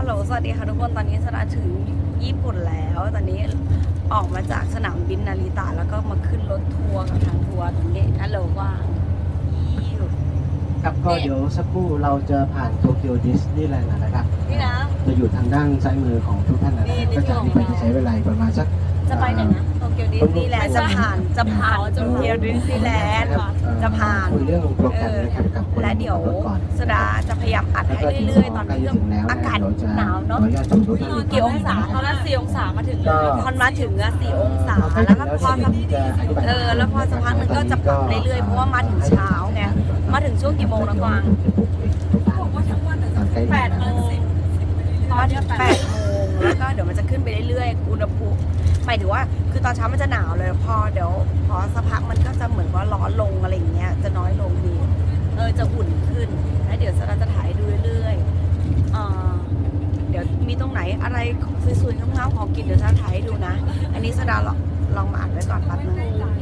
ฮัลโหลสวัสดีค่ะทุกคนตอนนี้สดาถึงญี่ปุ่นแล้วตอนนี้ออกมาจากสนามบินนาริตะแล้วก็มาขึ้นรถทัวร์กับทางทัวร์ตรงนี้ฮัลโหลว่างยี่อยู่ครับก็เดี๋ยวสักครู่เราจะผ่านโตเกียวดิสนีย์แลนด์นะครับนี่นะจะอยู่ทางด้านซ้ายมือของทุกท่านนะครับก็จากนี้ไปจะใช้เวลาประมาณสักจะไปไหนนะโตเกียวดิสนีย์แลนด์จะผ่านโตเกียวดิสนีย์แลนด์จะผ่านคุยเรื่องโปรแกรมนะครับกับคนและเดี๋ยวรถก่อนสดาจะพยายามอัดให้เรื่อยๆตอนนี้อากาศหนาวเนาะกี่องศาตอนนั้น4 องศามาถึงพอมาถึงอะ4 องศาแล้วก็พอสักแล้วพอสักพักนึงก็จะปรับเรื่อยๆเพราะว่ามาถึงเช้าไงมาถึงช่วงกี่โมงนะกวาง8 โมงมาถึง8 โมงแล้วก็เดี๋ยวมันจะขึ้นไปเรื่อยๆอุณหภูมิหมายถึงว่าคือตอนเช้ามันจะหนาวเลยพอเดี๋ยวพอสักพักมันก็จะเหมือนว่าร้อนลงอะไรอย่างเงี้ยจะน้อยลงดีจะอุ่นขึ้นแล้วเดี๋ยวสดาจะถ่ายดูเรื่อยๆเดี๋ยวมีตรงไหนอะไรสวยๆงามๆของกินเดี๋ยวสดาถ่ายให้ดูนะอันนี้สดาลองมาอ่านไว้ก่อนแป๊บนึง